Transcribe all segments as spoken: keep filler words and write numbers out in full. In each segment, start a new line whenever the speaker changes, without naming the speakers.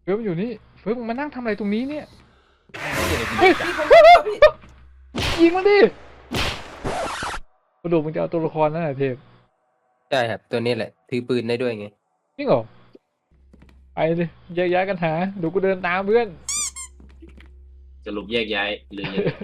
เฟิร์สมันอยู่นี่เฟิร์สมึงมานั่งทำอะไรตรงนี้เนี่ย
เฮ้ยพี่ผมพี่
ยิงมันดิกระดูกมึงจะเอาตัวละครนั่นแหละเทพ
ใช่ครับตัวนี้แหละถือปืนได้ด้วยไง
จริงเหรอไปดิแยกย้ายกันหาเดี๋ยวกูเดินตามเพื่อน
สรุปแยกย้ายเลย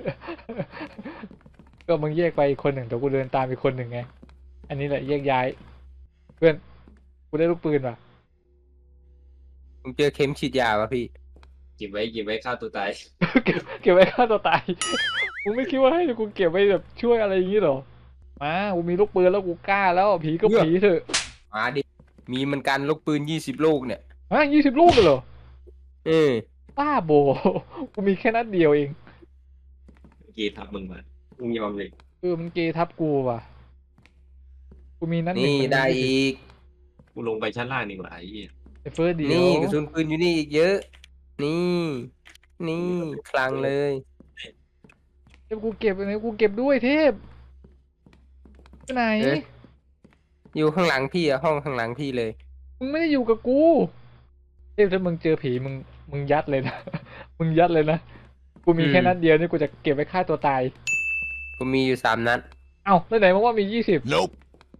ก็มึงแยกไปอีกคนหนึ่งเดี๋ยวกูเดินตามอีกคนหนึ่งไงอันนี้แหละแยกย้ายเพื่อนกูได้ลูกปืนว่ะ
ผมเจอเข็มฉีดยาวะพี่
เก็บไว้เก็บไว้ฆ่าตัวตาย
เก็บเก็บไว้ฆ่าตัวตายมึงไม่คิดว่าให้กูเก็บไว้แบบช่วยอะไรอย่างงี้เหรอมากูมีลูกปืนแล้วกูกล้าแล้วผีก็ผีเถอะ
มาดิมีมันกันลูกปืนยี่สิบลูกเนี่ย
ฮะยี่สิบลูกเลยเหรอ
เออ
ป้าโบกูมีแค่นัดเดียวเอง
เกย์ทับมึงมามึงยอมเลย
เออมันเกทับกูว่ะกูมีนัดหนึ่
นี่
งมัน
ได้
ยี่สิบ
อีก
กูลงไปชั้นล่างดีกว่าไอ้เหี้ย
ไอ้เฟิร์สเดียว
นี่กระสุนปืนอยู่นี่อีกเยอะ นี่ นี่คลังเลย
เทพกูเก็บอะไรกูเก็บด้วยเทพไปไหน
เอ๊ะ อยู่ข้างหลังพี่อะห้องข้างหลังพี่เลย
มึงไม่ได้อยู่กับกูเทพถ้ามึงเจอผีมึงมึงยัดเลยนะ มึงยัดเลยนะกูมี
อืม
แค่นัดเดียวนี่กูจะเก็บไว้ฆ่าตัวตาย
ผมมีอยู่สามนัด
เอ้าแล้วไหนมึงว่ามียี่สิบ
Nope.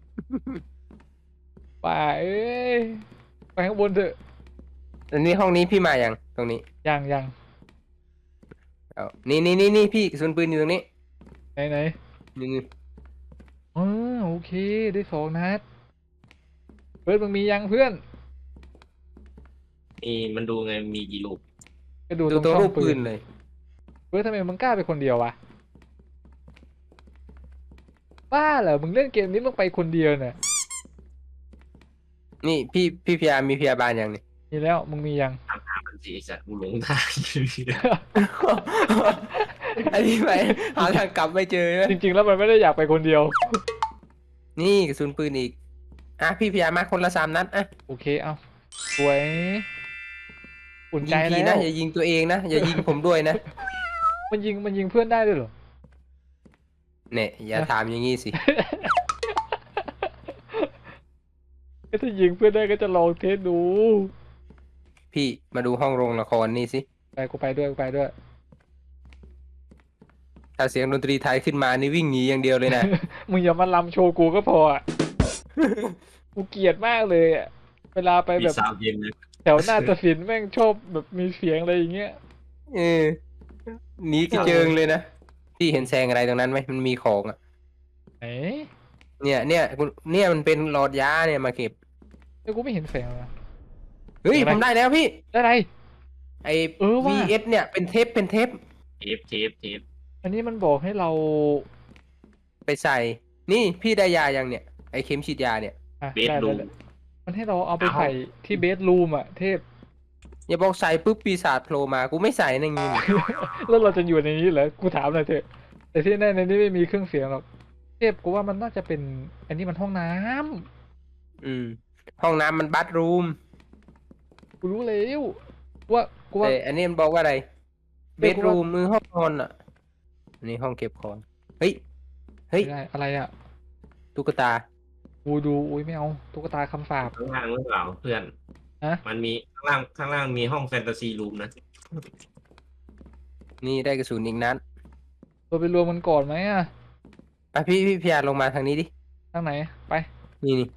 ป่าเอ้ยไปข้างบนเถอะ
อันนี้ห้องนี้พี่มาอย่างตรงนี้
ยังยัง
เอานี่นี่นี่นี่พี่กระสุนปืนอยู่ตรงนี้
ไหนไหน
นี่นี่
อ๋อโอเคได้สองนัดเฟิร์สมึงมียังเพื่อน
นี่มันดูไงมีกี่ลูก
ไปดู
ดู
ตรง
ตัว
ช่อ
รู
ง
ป
ปื
ปื
น
นเลย
เฟิร์สทำไมมึงกล้าไปคนเดียววะบ้าเหรอมึงเล่นเกมนี้มึงไปคนเดียวเนี่ย
นี่พี่พี่พยามีพยาบาลอย่างนี้
มีแล้วมึงมียัง
ถามหามันสิไอ้สัตว์กูหลงทาง
อันนี้ไปหาทางกลับไม่เจอไหม
จริงๆแล้วมันไม่ได้อยากไปคนเดียว
นี่กระสุนปืนอีก อ่ะพี่พยามาคนละสามนัดอ่ะ
โอเคเอาสวยอุ่นใจ
ยิง
แล้
ทีนะ
ว
อย่ายิงตัวเองนะ อย่ายิงผมด้วยนะ
มันยิงมันยิงเพื่อนได้ด้วยเหรอ
เนี่ยอย่าถามอย่างงี้สิ
ก็ถ้ายิงเพื่อนได้ก็จะลองเทสดู
พี่มาดูห้องโรงละครนี่สิ
ไปกูไปด้วยกูไปด้วย
ถ้าเสียงดนตรีไทยขึ้นมานี่วิ่งหนีอย่างเดียวเลยนะ
มึงอย่ามาลำโชว์กูก็พออ่ะ กูเกลียดมากเลยอ่ะ เวลาไป
มี
แบบ
สาวเย็นนะ
แถวหน้าตัดสินแม่งชอบแบบมีเสียงอะไรอย่างเงี้ย
เออหนีกระเจิงเลยนะ พี่เห็นแสงอะไรตรงนั้นไหมมันมีของอ่ะ
ไหน
เนี่ยเนี่ยคุณเนี่ยมันเป็นหลอดยาเนี่ยมาเก็บ
เอ้ยกูไม่เห็นแสงเลย
เฮ้ย
อะไร
ผมได้แล้วพี่
ได้ไร
ไอ
เออว่ะ
วี เอส เนี่ยเป็นเทปเป็นเทป
เทปเทปเทป
อันนี้มันบอกให้เรา
ไปใส่ นี่พี่ได้ยายังเนี่ย ไอเข็มฉีดยาเนี่ย
อ่ะ
เบส
ได้
รู
ได้
ม
ได้มันให้เราเอาไปใส่ที่เบสรูมอ่ะ เทพ
อย่าบอกใส่ปุ๊บปีศาจโผล่มากูไม่ใส่ในงี้
แล้วเราจะอยู่ในนี้เหรอ กูถามหน่อยเถอะ แต่ที่แน่ในนี้ไม่มีเครื่องเสียงหรอก เทพกูว่ามันน่าจะเป็น อันนี้มันห้องน้ำ
อืม ห้องน้ำมันบัตรูม
กูรู้แล้วกูว่ากูว่า
แต่อันนี้มันบอกว่าอะไร เบ
เอ้ย
ด
กู
รู
ว่า
มมือห้องนอนอ่ะ อันนี้ห้องเก็บของ เฮ้ย เฮ้ย
ไม่ได้อะไรอ่ะ
ตุ๊กตา
กูดูอุ้ยไม่เอาตุ๊กตาคำสาป
ข้างล่างหรือเปล่าเพื่อน
ฮะ
มันมีข้างล่างข้างล่างมีห้องแฟนตาซีรูมนะ
นี่ได้กระสุนอีกนัด
เราไปรวมมันก่อนไหมอ่ะ
ไปพี่พี่พยาลงมาทางนี้ดิ
ทางไหน ไป
นี่นี่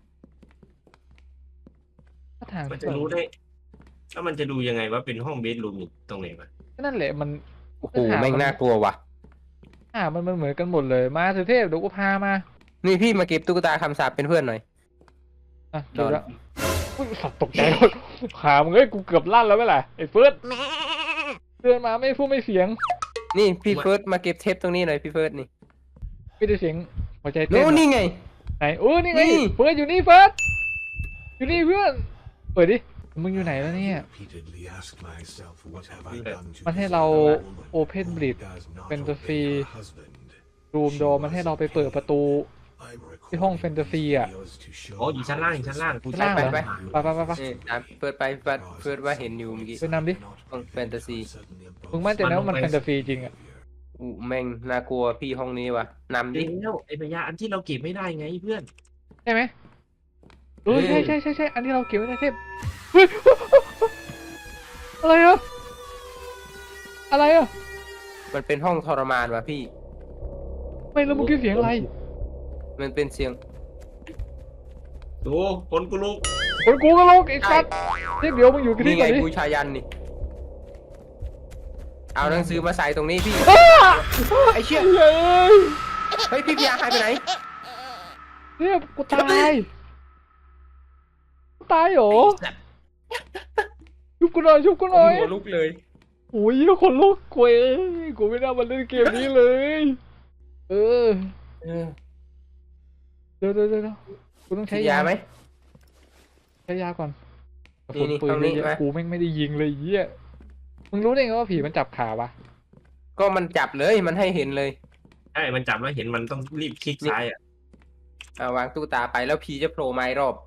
ก็ทาง
มันจะรู้ได้แล้วมันจะดูยังไงว่าเป็นห้องเบดรูมตรงไหนวะ
ก็นั่นแหละมัน
โอ้โหแม่งน่ากลัวว่ะ
อ่ามันมันเหมือนกันหมดเลย มาเถอะเทพเดี๋ยวกูพามา
นี่พี่มาเก็บตุ๊กตาคำสาปเป็นเพื่อนหน่อย
อ่ะเก็บแล้วอุ้ยสัตว์ตกใจหมดขามึงเอ้ยกูเกือบลั่นแล้วไหมล่ะไอ้เฟิร์สเดินมาไม่พูดไม่เสียง
นี่พี่เฟิร์สมาเก็บเทปตรงนี้หน่อยพี่เฟิร์สนี่
ไม่ได้เสียงหัวใจเต้น
โน่นนี่ไง
ไหนโอ้นี่ไง
นี่
เฟิร์สอยู่นี่เฟิร์สอยู่นี่เพื่อนเปิดดิมึงอยู่ไหนแล้วเนี่ย
Repeatedly ask myself, what have I done to
มันให้
deserve
เรา
that woman
Open
who
Blitz
does not
Fantasy
obey her husband?
รูมดอมันให้เราไปเปิดประตู
I'm
ที่ห้อง
recording
แฟนตาซี
these
อ่ะ
videos to show
อ๋ออยู่ชั้นล่างอยู่ชั้นล่างกู
ชั้นล่างเหรอ
ไป
ไปไปไปไป
เออตามเฟิร์สไปเฟิร์สเฟิร์สว่าเห็นอยู่เมื่อกี้
ไปนำดิ
ห้องแฟนตาซี
มึงมั่นใจนะว่ามันแฟนตาซีจริงอ่ะ
อู้แม่งน่ากลัวพี่ห้องนี้ว่ะนำดิ
เดี๋ยวไอ้พยาอันที่เราเก็บไม่ได้ไงเพื่อน
ใช่ไหมเออ
เฮ้
ใช่
ย
ใช่ใช่ใช่อันนี้เราเก็บไว้ในเทปเฮ้ยอะไรอะอะไรอะ
มันเป็นห้องทรมานว่ะพี่
ไม่แล้วเมื่อกี้เสียงอะไร
มันเป็นเสียง
ดูคนกูลุก
คนกูก็ลกไอ้สัตว์เดี๋ยวมึงอยู่กัน
นี่
ที่
ไง
ก่อนดิ
บูชายันนี่ เอาหนังสือมาใส่ตรงนี้พี่ ไอ้เชี่ย
เฮ้ย
เฮ้ยพี่พีอาร์หายไปไหน
เนี่ยกูตายกูตายเหรอชุบกูหน่อยชุบกูหน่อย
หัวลุกเลย
โอ้ยคนลุกกูเอ้ยกูไม่น่ามาเล่นเกมนี้เลย เออ
เออ
เดี๋ยวเดี๋ยวเดี๋ยวกูต้องใช้
ฉีดยาไหม
ใช้ยาก่อน
นี่นี่
ปืน
ตรงนี้
เยอะ
ไหม
กูแม่งไม่ได้ยิงเลยเหี้ยมึงรู้ได้ไงว่าผีมันจับขาวะ
ก็มันจับเลยมันให้เห็นเลย
ใช่มันจับแล้วเห็นมันต้องรีบคลิกซ้ายอ่ะ
อ่าวางตู้ตาไปแล้วพีจะโผล่มาอีกรอบ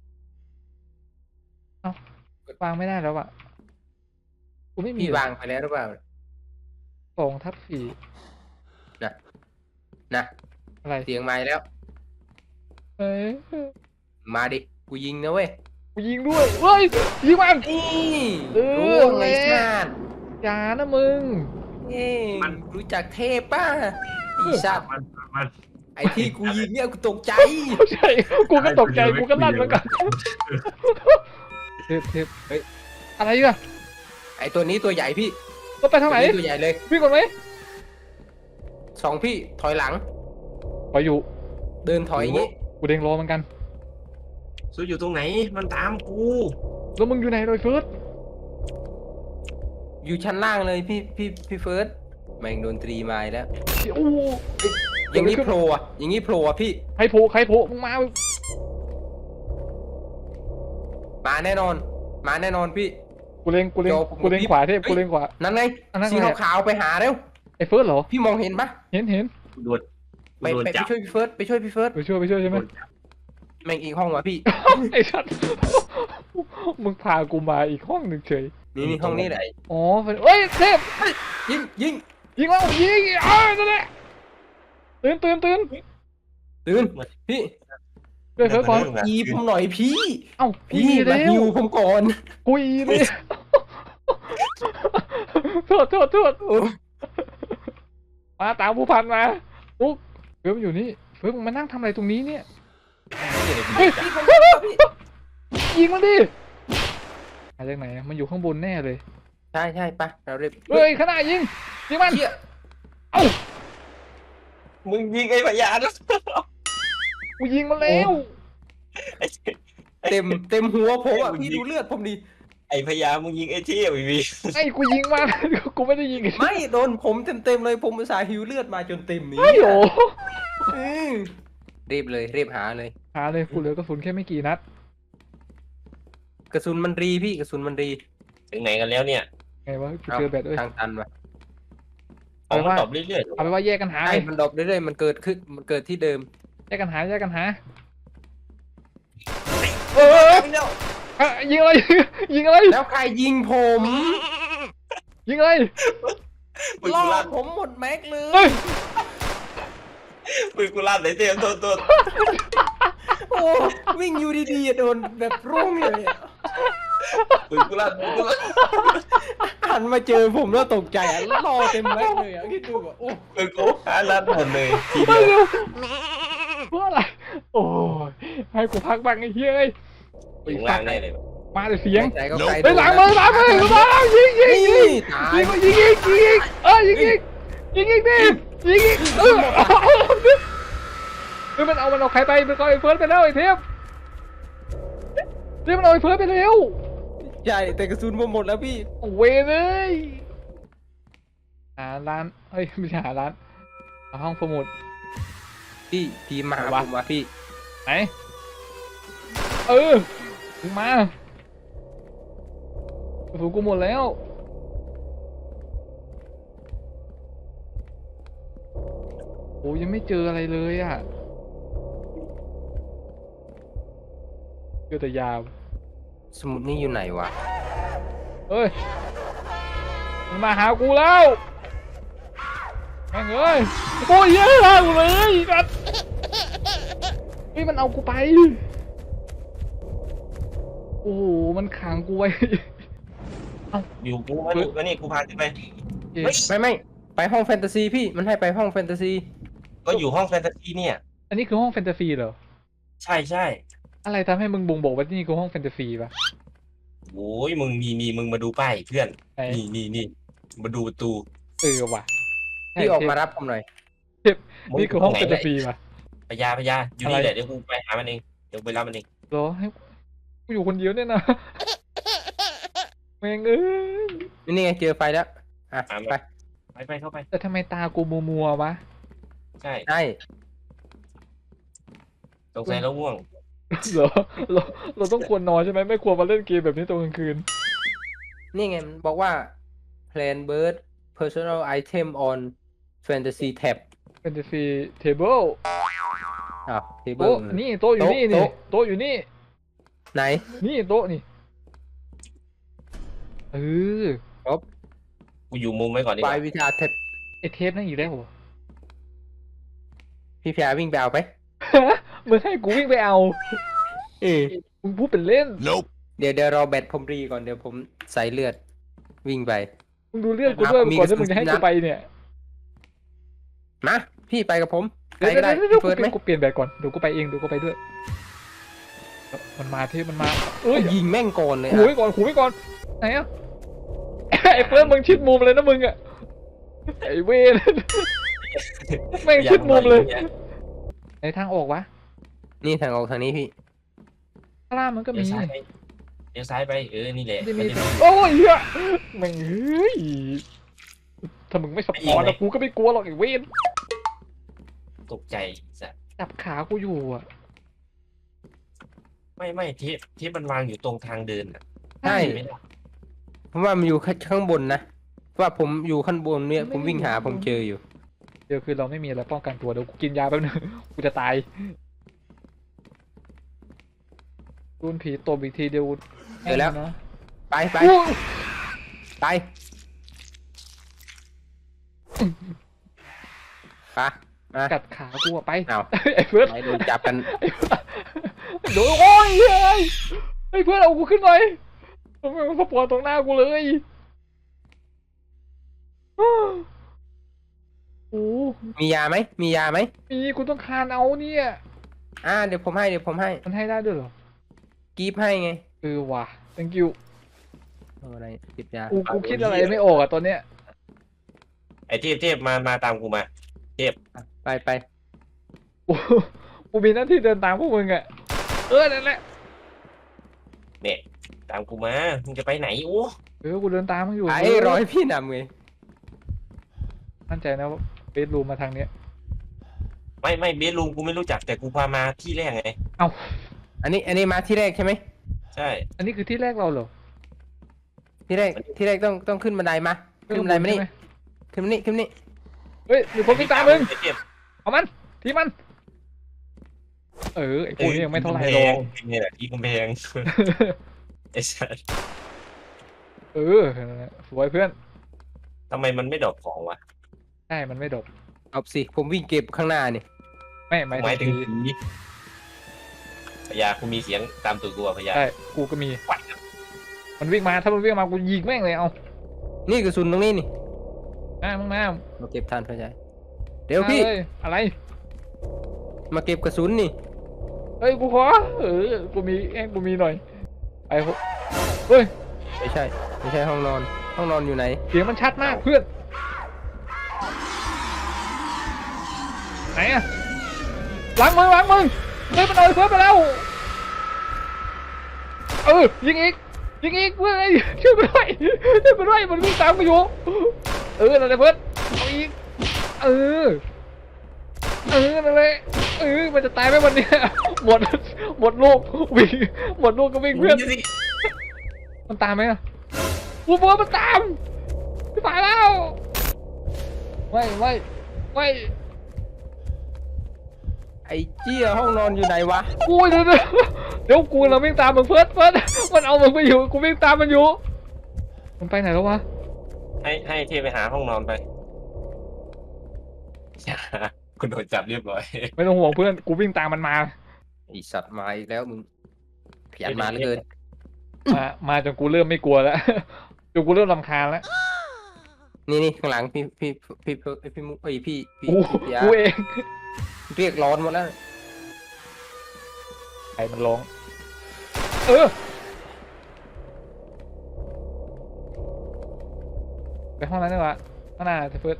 วางไม่ได้แล้วอะกูไม่มี
พี่วางไปแล้วหรือเปล่า
สองทับสี่
นะนะ
อะไร
เสียงไม้แล้ว
เอ้ย
มาดิ กูยิงนะเว้ย
กูยิงด้วยเฮ้ยยิงมัน
นี่
เออ
รู้ไงชาติ
อย่านะมึง
เอ้มันรู้จักเทพป่ะไอีสัตว์
มันมัน
ไอ้ที่กูยิงเนี่ยกูตกใจ
ใช่กูก็ตกใจกูก็ลั่นเหมือนกันเทปเทป
เฮ้ย
อะไรอ่ะ
ไอ้ตัวนี้ตัวใหญ่พี่
ก็ไปทางไหน
ตัวตัวใหญ่เลย
วิ่งก่อนไหม
สองพี่ถอยหลัง
ไปอยู่
เดินถอยอย่างงี้
กูเด้งรอเหมือนกัน
ซูอยู่ตรงไหนมันตามกู
แล้วมึงอยู่ไหนเลยเฟิร์ส
อยู่ชั้นล่างเลยพี่พี่พี่เฟิร์สแม่งโดนตรีมาอีกแล้ว
โอ้
อย่างนี้โผล่อะอย่างนี้โผล่อะพี่
ใครโผล่ใครโผล่มึงมา
มาแน่นอน มาแน่นอนพี่
กูเล็งกูเล็ง
โยผม
กูเล็ง
พี่
ขวาเทพ
เฮ้ย
กูเล็งขวา
นั่นไง
อันนั้น
สี
อะไร
ขาวๆไปหาเร็ว
ไอ้เฟิร์สเหรอ
พี่มองเห็นปะ
เห็นเห็น
กูโดน
ไป
กูโดน
ไปไป
จับ
ช่วยพี่เฟิร์สไปช่วยพี่เฟิร์ส
ไปช่วยไปช่วยใช่ไหม
โดนจับ
แม่งอีกห้องวะพี่
ไอ้สัตว์มึงพากูมาอีกห้องหนึ่งเฉย
นี่นี่ห้องนี้แหละ
อ๋อเป็นเอ้ยเทพ
ยิงยิง
ยิงแล้วยิงเอ้ยนั่นแหละตื่นตื่นตื่น
ตื่นพี่
ช่วยเฟิร์สก่อน
อีผมหน่อยพี่
เอ้ากู
พี่
อี
มา
แล้ว
ฮิวผมก่อน
กูอีเลยโทษโทษโทษ
โอ้
มาตามผู้พันมาปุ๊บเฟิร์สมันอยู่นี่เฟิร์สมึงมานั่งทำอะไรตรงนี้เนี่ยเฮ้ย
พี่ผมแล้วพี่
ยิงมันดิมาจากไหนอะมันอยู่ข้างบนแน่เลย
ใช่ใช่ปะเราเรียบ
เฮ้ยขางหนาดยิงยิงมัน
เชี่ย
เอ้า
มึงยิงไอ้พยาน
กูยิงมันแล้ว
เต็มเต็มหัวผมอ่ะพี่ดูเลือดผมดิ
ไอ้พยานมึงยิงไอ้เที่ยวอีวี
ไอ้กูยิงมันกูไม่ได้ยิงไอ้
ไม่โดนผมเต็มเต็มๆเลยผมอุตส่าห์ฮิวเลือดมาจนเต็มนี้
ไอ้โห
เออรีบเลยรีบหาเลย
หาเลยกูเหลือกระสุนแค่ไม่กี่นัด
กระสุนมันรีพี่กระสุนมันรี
ถึงไหนกันแล้วเนี่ย
ไงวะกูเจอแบตด้วย
ทางตันวะ
เอามันตอบเรื่อยๆ
เอาไปนว่าแยกกันหา
ไอ้
เลย
มันดรอปเรื่อยๆมันเกิดขึ้นมันเกิดที่เดิม
แยกกันหาแยกกันหา
เออ
เอ้ยยิงอะไร ยิงอะไร
แล้วใครยิงผม
ยิงอะไร
ปืน
ล่อ
กูลั่น
ผมหมดแม็กเล
เฮ้
ย
ย
ปืนกูลั่นเลยเที่ยวโทษโทษ
โอ้วิ่งอยู่ดีๆอะโดนแบบรุ่งเลยอะ
ปืนกูลั่นปืนกูลั่น
หันมาเจอผมแล้วตกใจอ่ะล่อเต็มแม็กเลยอ่ะคิดดูอ่ะโอ้
ปืนกูหาลั่นหมดเลยที
เฮ้
เดี
ย
ยว
เร็วเพราะอะไรโอ้ยให้กูพักบ้างไอ้เหี้ยเอ้ย
อยู่ข้างล่างแน่เลย
มาแต่เสียง
ใจก็ไกล
เฮ้ยหลังมือหลังมือหลังยิงยิงยิง
ตาย
ยิงยิงยิงยิงยิงเอ้ยยิงยิงยิงยิงดิยิงยิงเออเฮ้ยมันเอามันเอาใครไปมันเอาไอ้เฟิร์สไปแล้วไอ้เทพเทพมันเอาไอ้เฟิร์สไปแล้ว
ใช่แต่กระสุนผมหมดแล้วพี่
โอ้เวเลยหาร้านเฮ้ยไม่ใช่หาร้านเอาห้องสมุด
พี่พี่มาหา
วะ
ผมว่ะพี่
ไหนเออถึงมาโอ้โหกูหมดแล้วโอ้ยังไม่เจออะไรเลยอ่ะเจอแต่ยาว
สมุดนี่อยู่ไหนวะ
เฮ้ยมันมาหากูแล้วแม่งเอ้ยโอ้ยเยอะแล้วเลยกันเฮ้ยมันเอากูไปโอ้โหมันขังกูไว้
อยู่กูมานี่มานี่กูพาขึ้นไป
เอ๊ะ
เฮ้ย
ไม่ไม่ไปห้องแฟนตาซีพี่มันให้ไปห้องแฟนตาซี
ก็อยู่ห้องแฟนตาซีเนี่ย
อันนี้คือห้องแฟนตาซีเหรอ
ใช่ใช่
อะไรทำให้มึงบ่งบอกว่าที่นี่คือห้องแฟนตาซีปะ
โอ้ยมึงมีมีมึงมาดูป้ายเพื่อน
ไอ้
นี่นี่นี่มาดูประตู
เออว่ะ
พี่ออกมา
ใช่
รับผมหน่อย
มึ
นี่คือห้อง
ไห
แฟนตาซีปะ
พญาพญาอยู่
อะไร
นี่แหละเดี๋ยวกูไปหามันเองเดี๋ยวไปรับมันเอง
เหรอให้กูอยู่คนเดียวเนี่ยนะแม่งเอ้ย
นี่ไงเจอไฟแล้วอ่ะไป
ไปไปเข้าไป
แต่ทำไมตากูมัวมัวๆวะ
ใช่
ใช่
สงสัยแล้วง่วง
เหรอเราเราต้องควรนอนใช่ไหมไม่ควรมาเล่นเกมแบบนี้ตอนกลางคืน
นี่ไงมันบอกว่า plan bird personal item on fantasy tab
แฟนตาซีเทเบิล
อ้าว table
โต๊ะนี่โต๊ะอยู่นี่นี่
โต๊ะ
โต๊ะอยู่นี่
ไหน
นี่โต๊ะนี่เออ
ครบ
กูอยู่มุมไว้ก่อนดีก
ไฟ
ว่า
วิชาเทป
ไอเทปนั่นอีกแล้วเหรอ
พี่พยาวิ่งไปเอาไป
มึงให้กูวิ่งไปเอา
เออ
มึงพูดเป็นเล่น
Nope.
เดี๋ยวเดี๋ยวรอแบตผมรีก่อนเดี๋ยวผมใส่เลือดวิ่งไป
มึงดูเรื่องกูด้วย
มี
ก่อน
กระสุ
ที่
น
มึงจะให้กู
นะ
ไปเนี่ย
มาพี่ไปกับผมไป
เดี๋ยว
ก็ได้
เดี๋ยวเดี๋ยว
พี่เฟิร์สไหม
กูเปลี่ยนแบบก่อนเดี๋ยวกูไปเองเดี๋ยวกูไปด้วย มันมาเทปมันมาเอ้ย
ยิงแม่งก่อนเลย
ขู่
อ่ะ
ไว้ก่อนขู่ไว้ก่อนไหนอะไอ้เฟิร์สมึงชิดมุมเลยนะมึงอะไอ้เวนแม่งชิดมุมเลยไหนทางออกวะ
นี่ทางออกทางนี้พี่
ข้างล่างมันก็
เดี๋
มี
ยวซ้ายไปเดี๋ยวซ้ายไปเออนี่แหละ
จะ
มั
มี
นจะมี
โอ้ยเหี้ยแม่งเฮ้ยถ้ามึงไม่สปอร์ตอะกูก็ไม่กลัวหรอกไอ้เวน
ตกใจสัส
จับขากูอยู่อะ
ไม่ไม่เทปเทปมันวางอยู่ตรงทางเดินอ่ะ
ใช่
ไม่ได้
ผมว่ามันอยู่ข้างบนนะเพราะว่าผมอยู่ข้างบนเนี่ยผมวิ่งหาผมเจออยู่
เดี๋ยวคือเราไม่มีอะไรป้องกันตัวเดี๋ยวกูกินยาแป๊บนึง กูจะตายโดนผีตบอีกทีเดียว
เจอแล้ว
นะ
ไปไป
อู้
ไปไปมา
กัดขากูอะไป
เอา
ไอ้เพื่อน
ไปโดนจับกัน
โดนโอ้ยเฮ้ยไอ้เพื่อนเอากูขึ้นหน่อยทำไมมันสปอร์ตตรงหน้ากูเลยอ้าวโอ้
มียาไหมมียาไหม
มีกูต้องคานเอาเนี่ย
อ่าเดี๋ยวผมให้เดี๋ยวผมให้
มันให้ได้ด้วยเหรอ
กีบให้ไง
เออว่ะ thank you
เอาอะไรเก็บยา
กูกูคิดอะไรไม่ออกอะตอนเนี้ย
ไอ้เทปเทปมามาตามกูมา
ไปไป
กูกูมีหน้าที่เดินตามพวกมึงอะเออนั่นแหละ
เนี่ยตามกูมามึงจะไปไหนโอ้
เออกูเดินตามมึงอยู่
ไอ้รอให้พี่นำไง
มั่นใจนะว่าเบสรูมมาทางเนี้ย
ไม่ไม่เบสรูมกูไม่รู้จักแต่กูพามาที่แรกไง
อันนี้อันนี้มาที่แรกใช่ไหม
ใช่
อันนี้คือที่แรกเราเหรอ
ที่แรกที่แรกต้องต้องขึ้นบันไดมาขึ้นบันไดมานี่
ใช่ไห
ขึ้นมานี่ขึ้นมานี่
เฮ้ยมีคนวิ่งตามมึง
ไอ้เทป
เอามันทีมัน เออไอ้พวกนี้ยังไม่เท่าไหร่หรอก
นี่แหละที่กำแพงไอ้สัส
เออนั่นแหละสวยเพื่อน
ทำไมมันไม่ดรอปของวะ
ใช่มันไม่ดบ
เอาสิผมวิ่งเก็บข้างหน้านี่
ไม่ไม่
หมายถึง
ผี
ผีพญากูมีเสียงตามตัวกูอะพญา
ใช่กูก็มี
ไหวครับ
มันวิ่งมาถ้ามันวิ่งมากูยิงแม่งเลยเอา
นี่กระสุนตรงนี้นี่
มามึงมา
มาเก็บทันพระใจเดี๋ยวพี่
มาลอะไร
มาเก็บกระสุนนี่
เฮ้ยกูขอเออกูมีแองกูมีหน่อยไปเถอะเฮ้ย
ไม่ใช่ไม่ใช่ห้องนอนห้องนอนอยู่ไหน
เสียงมันชัดมากเพื่อนไหนอะหลังมึงหลังมึงเฮ้ยมันเอาไอ้เพื่อนไปแล้วเออยิงอีกยิงอีกเพื่อนไอ้ช่วยไปด้วยช่วยไปด้วยมันวิ่งตามกูอยู่เออนั่นแหละเพื่อนเอาอีกเออเออนั่นแหละเออมันจะตายไหมวันเนี้ยหมดหมดลูกวิ่งหมดลูกก็วิ่งเพื่อนมันตามไหมอะกูบอกว่ามันตามไม่ตายแล้วไม่ไม่ไม่
ไอ้เจี้ยห้องนอนอยู่ไหนวะ
กูเดี๋ยวเดี๋ยวเดี๋ยวกูเราวิ่งตามมึงเฟิร์สเฟิร์สมันเอามึงไปอยู่กูวิ่งตามมันอยู่มันไปไหนแล้ววะ
ให้ให้เทปไปหาห้องนอนไปอย่าคุณโดนจับเรียบร้อย
ไม่ต้องห่วงเพื่อนกูวิ่งตามมันมา
ไอสัตว์มาอีกแล้วมึงขยันมาเหลือเกิน
มามาจนกูเริ่มไม่กลัวแล้วเดี๋ยวกูเริ่มรำคาญแล้ว
นี่นี่ข้างหลังพี่พี่พี่พี่พี่พี่มุกเอ้ยพี่พี่
กู
พี่ยา
กูเอง
เรียกร้อนหมดแล้ว
ใครมันร้อง เออ ไปห้องนั้นดีกว่าข้างหน้าเทเฟิร์ส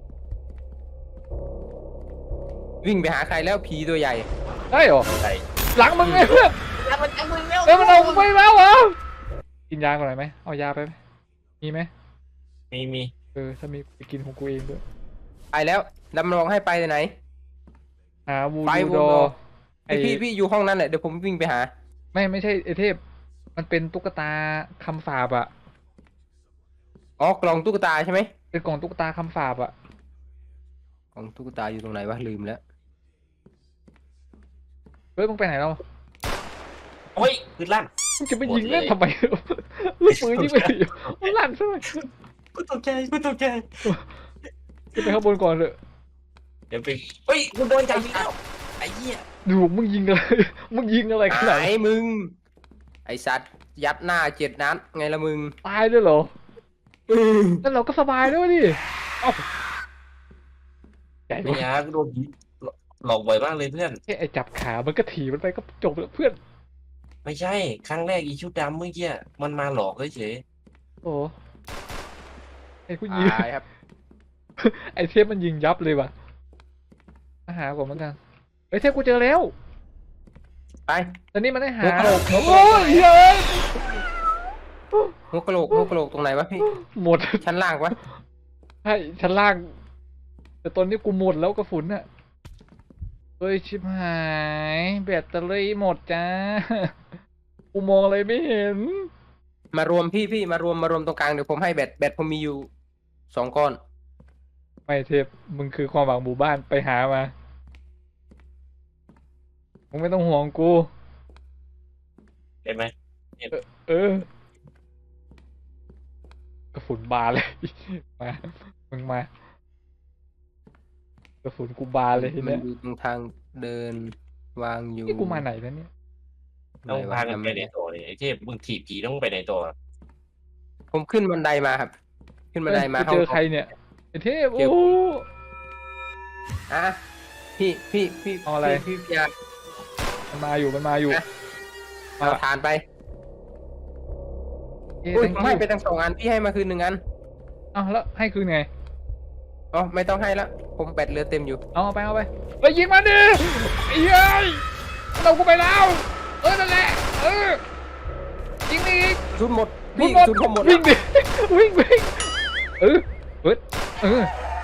วิ่งไปหาใครแล้วผีตัวใหญ่
ได้เหรอ
ใช่
หลังมึงไงเพื่อน
แล้วมันจังมึงแล้ว
เอ้ยมันเอากูไปแล้วเหรอ กินยาก่อนหน่อยไหม เอายาไปไหมมีไหม
มีมี
เออ ถ้ามีไปกินของกูเองด้วย
ไปแล้วดำรองให้ไปไหน
หาวู
ไป
ดู
วู
ด
ด
อ
อ
ไอ้
พี่พี่พี่อยู่ห้องนั้นแหละเดี๋ยวผมวิ่งไปหา
ไม่ไม่ใช่ไอเทพ มันเป็นตุ๊กตาคำสาบอะ
อ๋อกล่องตุ๊กตาใช่ไหม
เป็นกล่องตุ๊กตาคำสาบอะ
กล่องตุ๊กตาอยู่ตรงไหนวะลืมแล้ว
เฮ้ยมึงไปไหนแล้ว
โอ้ยคือลั่น
มึงจะไป
หมด
ยิงเล่น
เลย
ทำไม ลูกปืนยิงไปอยู่มันลั่นใช่ไหม
กูตกใจกูตกใจ
ขึ้นไปข้างบนก่อนเลย
เดี๋ยวไปเฮ้ยกูโดนจับอีกแล้วไอ้เหี้ย
ดูมึงยิงอะไร มึงยิงอะไรขนาด
ไอ้มึง ไอสัตว์ยัดหน้าเจ็ดนัดไงละมึง
ตายด้วยเหรอนั่นเราก็สบายด้วยดิเอ้าใหญ่
ไม่ยากูโดนผีหลอกบ่อยมากเลยเพื่อน
แค่ไอ้จับขา มันก็ถีบมันไปก็จบแล้วเพื่อน
ไม่ใช่ครั้งแรกอีชุดดำเมื่อกี้มันมาหลอกเฉย
โอ้ไอ้กูยิง
ตายครับ
ไอ้เทพมันยิงยับเลยว่ะมาหาก่อนเหมือนกันไอ้ยเทพกูเจอแล้ว
ไป
ตอนนี้มันได้หา
หัวกะโหลกหัวกะโหลก
โอ้ยเฮ้ย
หัวกะโหลกหัวกะโหลกตรงไหนวะพี่
หมด
ชั้นล่างวะ
ใช่ชั้นล่าง แต่ตอนนี้กูหมดแล้วกระสุนน่ะเฮ้ยชิบหายแบตเตอรี่หมดจ้า กูมองอะไรไม่เห็น
มารวมพี่พี่มารวมมารวมตรงกลางเดี๋ยวผมให้แบตแบตผมมีอยู่สองก้อน
ไม่เทพมึงคือความหวังหมู่บ้านไปหามา มึงไม่ต้องห่วงกู
ๆเห็นไหม
เออ กระสุนบาเลย มา มึงมา กระสุนกูบาเลยที
มั
เนี้
น
ย
อยู่ตรงทางเดินวางอยู่
นี่กูมาไหนแล้วเนี่ย
ต้องพากัน
ไห
ไป
วะ
ไหนต่อเลยไอ้เทพมึงถีบผีต้องไปไหนต่อ
ผมขึ้นบันไดมาครับ ขึ้นบันไดมา
กูเจอใครเนี่ยไอ้เทพ
เจอ
โอ้
อ่ะพี่พี่พี่
เอาอะไร
พี่พี่พี่ยา
มันมาอยู่มันมาอยู่ มา
เอา
ละ
ทานไป
เอ้ย
อุ้ย
thank
ผมให้
you
ไปตั้งสองอันพี่ให้มาคืนหนึ่งอัน
เอาแล้วให้คืนไง
อ๋อไม่ต้องให้ละผมแบตเหลือเต็มอยู่
เอาเอาไปเอาไปไปยิงมันดิไอ้เฮ้ยเรากูไปแล้วเออนั่นแหละเออยิงอีก
ชุดหมด
วิ่
พี่
งหมด
ชุดผมหมด
วิ่งดิ วิ่งวิ่งเออเฟิร์สเออ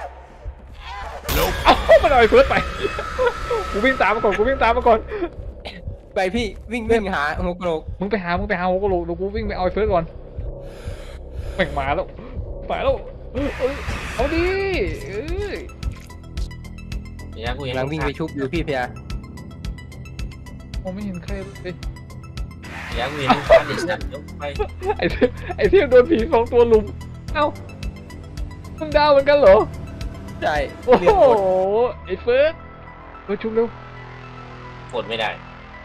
เอามันเอาไอ้เฟิร์สไปกูวิ่งตามมาก่อนกูวิ่งตามมาก่อน
ไปพี่วิ่งวิ่งหาหัวกะโหลก
มึงไปหามึงไปหาหัวกะโหลกเดี๋ยวกูวิ่งไปเอาไอ้เฟิร์สก่อนแม่งมาแล้วมาแล้วเออเออเอาดิเออ
ไม่ยากูยัง
กำลังวิ่งไปชุบอยู่พี่พยาม
องไม่เห็นใครเลย
ไม่ยากูยังพาเด็กสัตว์ยกไป
ไอ้เทพไอ้เทพโดนผีสองตัวลุมเอ้ามึงดาวเหมือนกันเหรอ
ใช่
โอ้
เรียก
โห
หมด
ไอ้เฟิร์สเฟิร์สชุบเร็ว
กดไม่ได้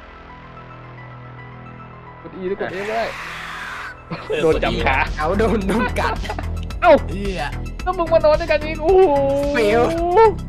กด E หรือกด F ก็ได้โดนจับขา
เอาโดนโดนกัด
เอ้า
เฮีย
แล้วมึงมานอนด้วยกันอีกโอ้โห
เฟล